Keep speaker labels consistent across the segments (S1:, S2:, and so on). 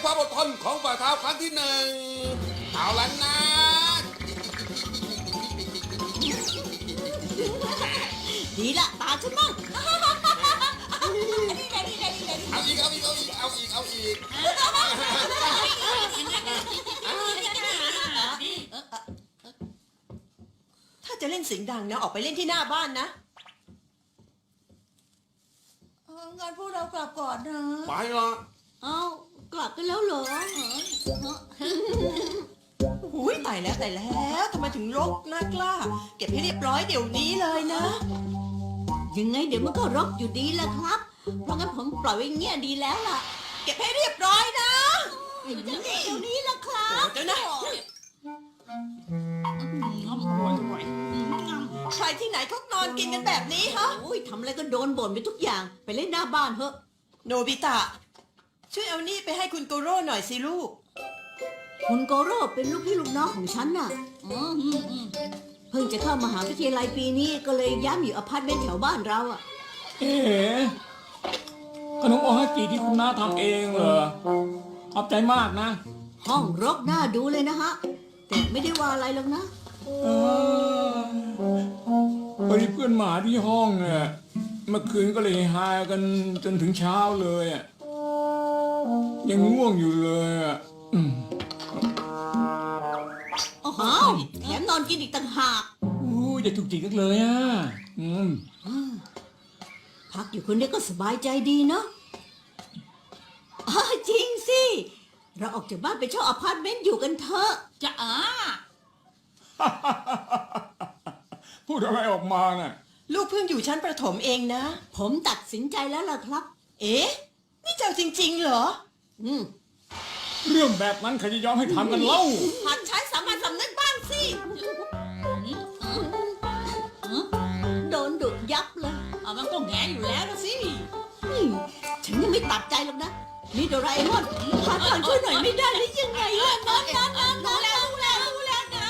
S1: ความอดทนของฝ่าเท้าครั้งที่หนึ่งเอาละนะ
S2: ดีละตาฉันบ้าง
S1: เอาอีกเอาอีกเอาอีกเอาอีกเอาอีก
S3: ถ้าจะเล่นเสียงดังนะออกไปเล่นที่หน้าบ้านนะ
S2: งั้นพวกเรากลับก่อนนะ
S1: ไปละ
S2: เอ้ากลับกันแล้วเหรอ
S3: หูยตายแล้วทำไมถึงรกน่ากล้า เก็บให้เรียบร้อยเดี๋ยวนี้เลยนะ
S2: ยังไงเดี๋ยวมันก็รกอยู่ดีแหละครับ เพราะงั้นผมปล่อยไว้เงี้ยดีแล้วล่ะ
S3: เก็บให้เรียบร้อยนะ
S2: เดี๋ยวนี้ล่ะครับ
S3: เดี๋ยวนะใครที่ไหนเขานอนกินกันแบบนี้ฮะ
S2: โอ้ยทำอะไรก็โดนบ่นไปทุกอย่าง ไปเล่นหน้าบ้านเถอะ
S3: โนบิตะ ช่วยเอานี่ไปให้คุณโกโร่หน่อยสิลูก
S2: คุณโกโร่เป็นลูกพี่ลูกน้องของฉันน่ะเพิ่งจะเข้ามหาวิทยาลัยปีนี้ก็เลยย้ายมาอยู่อพาร์ตเมนต์แถวบ้านเราอ่ะ
S4: เอ๋ขนมโอฮากิที่คุณน้าทำเองเหรอขอบใจมากนะ
S2: ห้องรกน่าดูเลยนะฮะ แต่ไม่ได้ว่าอะไรหรอกนะ
S4: เออพอดีเพื่อนหมาที่ห้องเนี่ยเมื่อคืนก็เลยฮากันจนถึงเช้าเลยอะยังง่วงอยู่เลยอ่ะ
S2: โอ้โหแถมนอนกินอีกต่างหาก
S4: อู้อย่าถูกจิกกันเลยอ่ะ
S2: พักอยู่คนเดียวก็สบายใจดีเนาะจริงสิ เราออกจากบ้านไปเช่าอพาร์ตเมนต์อยู่กันเถอะจะ
S4: พูดอะไรออกมาน่ะ
S3: ลูกเพิ่งอยู่ชั้นประถมเองนะ
S2: ผมตัดสินใจแล้วล่ะครับ
S3: เอ๊ะ นี่เจ้าจริงๆเหรอ
S4: เรื่องแบบนั้นใครจะยอมให้ทำกันเล่า
S3: หัดใช้สามัญสำนึกบ้างสิ
S2: โดนดุยับเลย
S5: มันก็แงอยู่แล้วนะสิ
S2: ฉันยังไม่ตัดใจหรอกนะ นี่โดราเอมอนหาทางช่วยหน่อยไม่ได้หรือยังไงล่ะนะ
S5: รู้แล้วนะ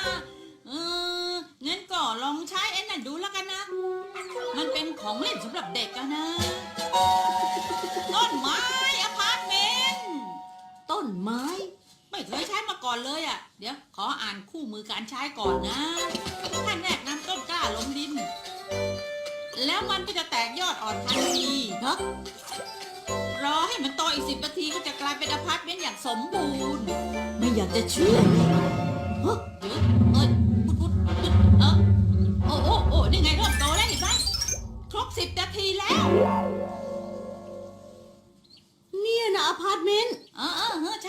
S5: งั้นก็ลองใช้ไอ้นั่นดูแล้วกันนะ มันเป็นของเล่นสำหรับเด็กอะนะ ต้นไม้อพาร์ตเมนต์
S2: ต้นไม้
S5: ไม่เคยใช้มาก่อนเลยอ่ะ เดี๋ยวขออ่านคู่มือการใช้ก่อนนะขั้นแรกนำต้นกล้าลงดิน แล้วมันก็จะแตกยอดอ่อนทันที
S2: ฮะ
S5: รอให้มันโตอีก10 นาทีก็จะกลายเป็นอพาร์ตเมนต์อย่างสมบูรณ์
S2: ไม่อยากจะเชื่อเลยฮะ
S5: เดี๋ยวพุดโอ้นี่ไงเริ่มโตแล้วเห็นไหมครบ10 นาทีแล้ว
S2: เนี่ยนะอพาร์ตเมนต์
S5: ใช่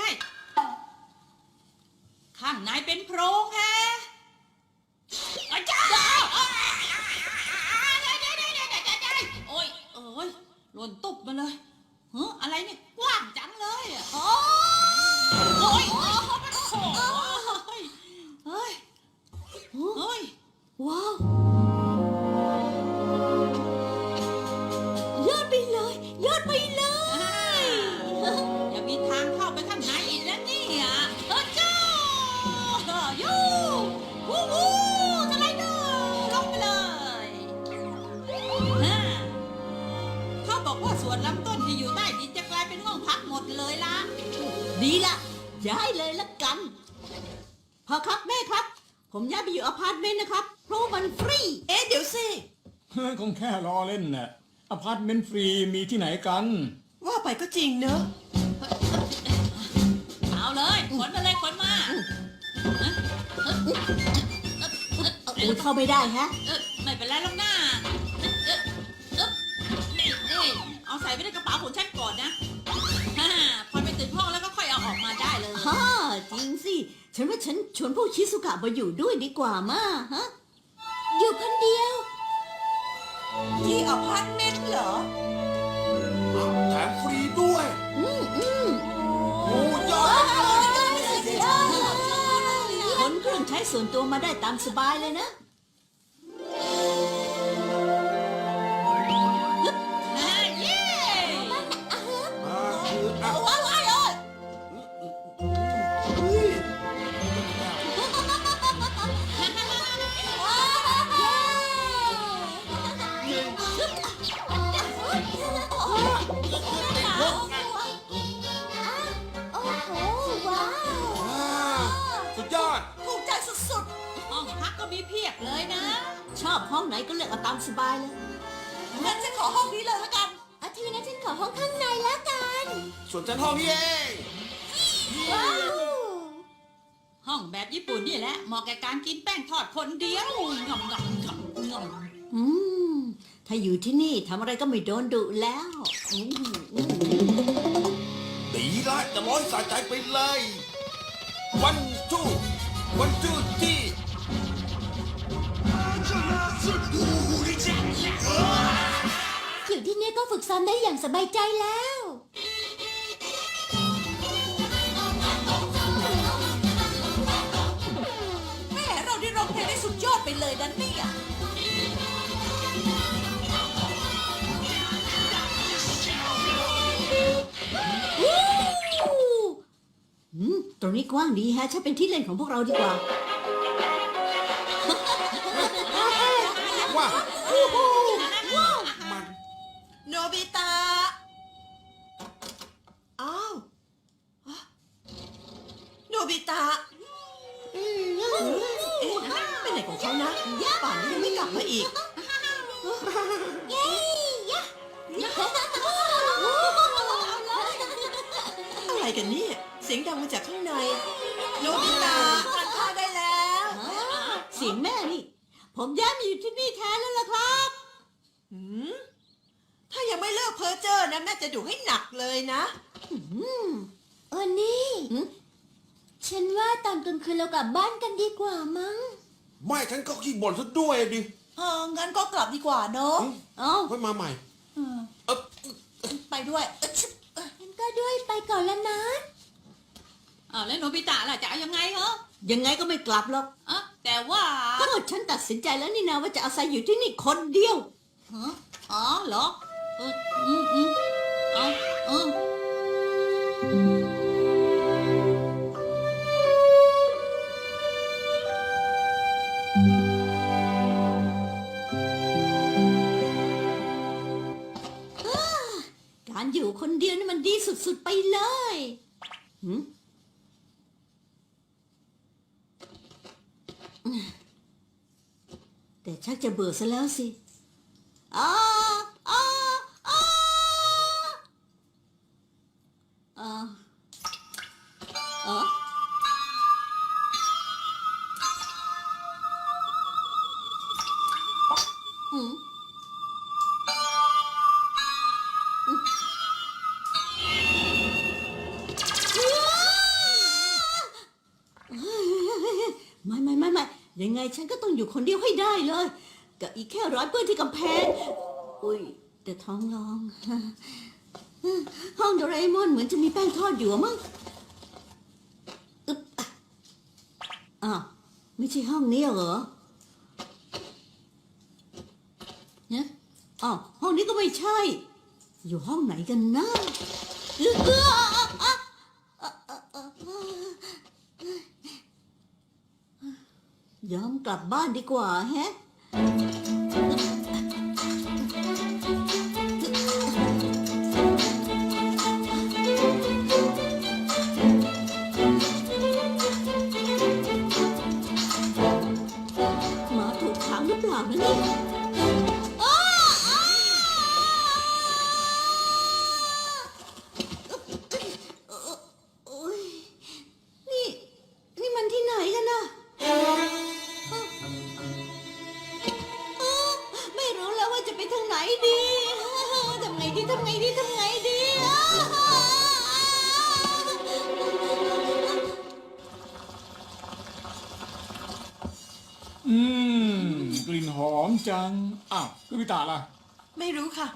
S5: ข้างในเป็นโพรงแฮะอาจารย์โอ้ยหล่นตุ๊บมาเลยอะไรเนี่ยกว้างจังเลยอ่ะโอ้ยเฮ้ย
S2: ว้าว ยอดไปเลยยอดไปเลย
S5: อย่ามีทางเข้าไปข้างในอีกแล้วเนี่ยจ้ายูวูสไลเดอร์ลงไปเลยเขาบอกว่าส่วนลำต้นที่อยู่ใต้ดินจะกลายเป็นห้องพักหมดเลยล่ะ
S2: ดีละย้ายเลยละกันพ่อครับแม่ครับ ผมย้ายไปอยู่อพาร์ตเมนต์นะครับเพราะว่ามันฟรี
S3: เอ๊ะ เดี๋ยวสิ
S4: คงแค่ล้อเล่นน่ะอพาร์ตเมนต์ฟรีมีที่ไหนกัน
S3: ว่าไปก็จริงเนอะ
S5: เอาเลยขนมาเลยขนมา
S2: อุ้ยเข้าไม่ได้ฮะ
S5: ไม่เป็นไรหรอกนะนี่เอาใส่ไว้ในกระเป๋าของฉันก่อนนะพอไปถึงห้องแล้วก็ค่อยเอาออกมาได้เลย
S2: จริงสิ ฉันว่าฉันชวนพวกชิสุกะมาอยู่ด้วยดีกว่ามาฮะ อยู่คนเดียว
S3: ที่อพาร์ตเมนต์เหรอ
S1: แถมฟรีด้วยโอ้ยอด
S2: คนเครื่องใช้ส่วนตัวมาได้ตามสบายเลยนะ
S5: เย้
S1: คือเอา
S2: ว้าวว้าว
S1: เฮ้ย
S5: ก็มีเพียบเลยนะ
S2: ชอบห้องไหนก็เลือกเอาตามสบายเลย
S3: งั้นฉันขอห้องนี้เลยแล้วกัน
S2: อาทีนั้นฉันขอห้องข้างในแล้วกัน
S1: ส่วนฉันห้องนี้เอง
S2: ว้าว
S5: ห้องแบบญี่ปุ่นนี่แหละเหมาะแก่การกินแป้งทอดคนเดียวงำงำงำงำ
S2: อืมถ้าอยู่ที่นี่ทำอะไรก็ไม่โดนดุแล้ว
S1: ดีละจะร้อยสะใจไปเลยวันจูที่
S2: อยู่ที่นี่ก็ฝึกซ้อมได้อย่างสบายใจแล้ว
S3: แม่เราได้ร้องเพลงได้สุดยอดไปเลยนะเนี่ย
S2: ตรงนี้กว้างดีฮะใช่เป็นที่เล่นของพวกเราดีกว่า
S1: ว่ามัน
S3: โนบิตะ อ้าวโนบิตะเอ๊ะไปไหนของเขานะป่านนี้ยังไม่กลับมาอีก อะไรกันเนี่ย เสียงดังมาจากข้างใน โนบิตะทานข้าวได้แล้ว
S2: เสียงแม่นี่ ผมย้ายมาอยู่ที่นี่แทนแล้วล่ะครับ
S3: หืมถ้ายังไม่เลิกเพ้อเจ้อนะแม่จะดุให้หนักเลยนะ
S2: นี่
S6: ฉันว่าตอนกลางคืนเรากลับบ้านกันดีกว่ามั้ง
S1: ไม่ฉันก็ขี้บ่นซะด้วยดิ
S3: งั้นก็กลับดีกว่าเนอะ
S2: เอ้า
S1: ไว้มาใหม่เออ
S3: ไปด้วย
S6: งั้นก็ด้วยไปก่อนแล้วนะ
S5: อ้าวแล้วโนบิตะล่ะจะเอายังไงเหรอ
S2: ยังไงก็ไม่กลับหรอก
S5: อ่ะแต่ว่า
S2: ก็ฉันตัดสินใจแล้วนี่นะว่าจะอาศัยอยู่ที่นี่คนเดียว
S5: ฮะอ๋อเหรอเอาเออ
S2: การอยู่คนเดียวนี่มันดีสุดๆไปเลยหืมแต่ชักจะเบื่อซะแล้วสิอ้าอ้าอ้าอ้าอ๋ออืม ไม่ยังไงฉันก็ต้องอยู่คนเดียวให้ได้เลยกับอีกแค่ร้อยเปื้อนที่กำแพงอุ้ยแต่ท้องร้อง ห้องโดราเอมอนเหมือนจะมีแป้งทอดอยู่อะมั้งอึ๊บอ้าวไม่ใช่ห้องนี้เหรอเนี่ยอ้าวห้องนี้ก็ไม่ใช่ อยู่ห้องไหนกันนะยอมกลับบ้านดีกว่าแฮะหมาถูกขังหรือเปล่านะเนี่ยโอ๊ยนี่มันที่ไหนกันน่ะ ไม่รู้แล้วว่าจะไปทางไหนดีทำไงดี
S4: อืกลิ่นหอมจัง อ้าวคือพิตาล่ะ
S3: ไม่รู้ค่ะ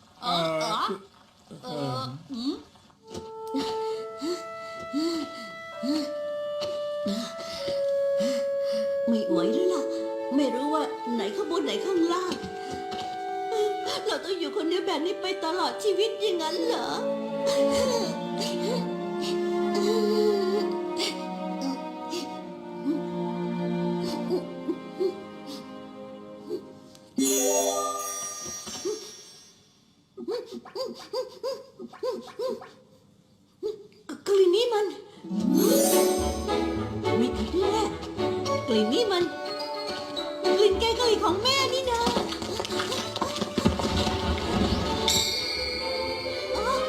S2: ไม่ไหวแล้วล่ะ ไม่รู้ว่าไหนข้างบนไหนข้างล่าง เราต้องอยู่คนเดียวแบบนี้ไปตลอดชีวิตอย่างนั้นเหรอ กลิ่นนี้มัน ไม่ผิดแน่กลิ่นนี้มันลิ่นแกงกะหรี่ของแม่นี่นะอ๋อ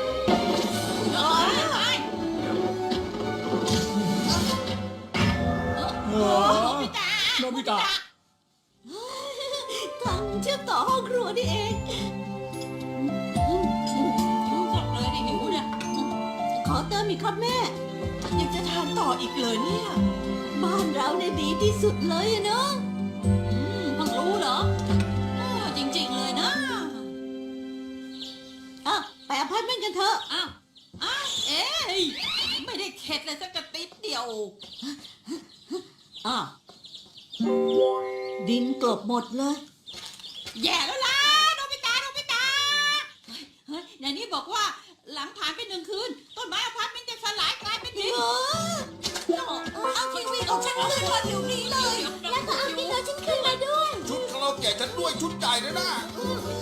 S4: เออโนบิตะ
S2: ทางเชื่อมต่อห้องครัวนี่เอง
S5: บอกเลยดิหิวเนี่ย
S2: ขอเติมอีกครับแม่
S3: ยังจะทานต่ออีกเลยเนี่ย
S2: บ้านเราเนี่ยดีที่สุดเลยอะเนาะ
S5: เพิ่งรู้เหรอจริงๆเลยนะ
S2: อ่ะไปอพาร์ตเมนต์กันเถอะ
S5: อ้าวเอ๊ยไม่ได้เข็ดเลยสักกระติดเดียว
S2: อ่ะดินกลบหมดเลย
S5: แย่แล้วล่ะโนบิตะเฮ้ยในนี้บอกว่าหลังผ่านไป1 คืน ต้นไม้อพาร์ตเมนต์จะสลายกลายเป็นดิน
S3: เอาทีวีของฉันคืนมาเดี๋ยวนี้เลย
S6: แล้วก็เอาที่เราฉันขึ้นมาด้วย
S1: ชุดคาราโอเกะฉันด้วยชุดใหญ่เลยนะ
S6: เ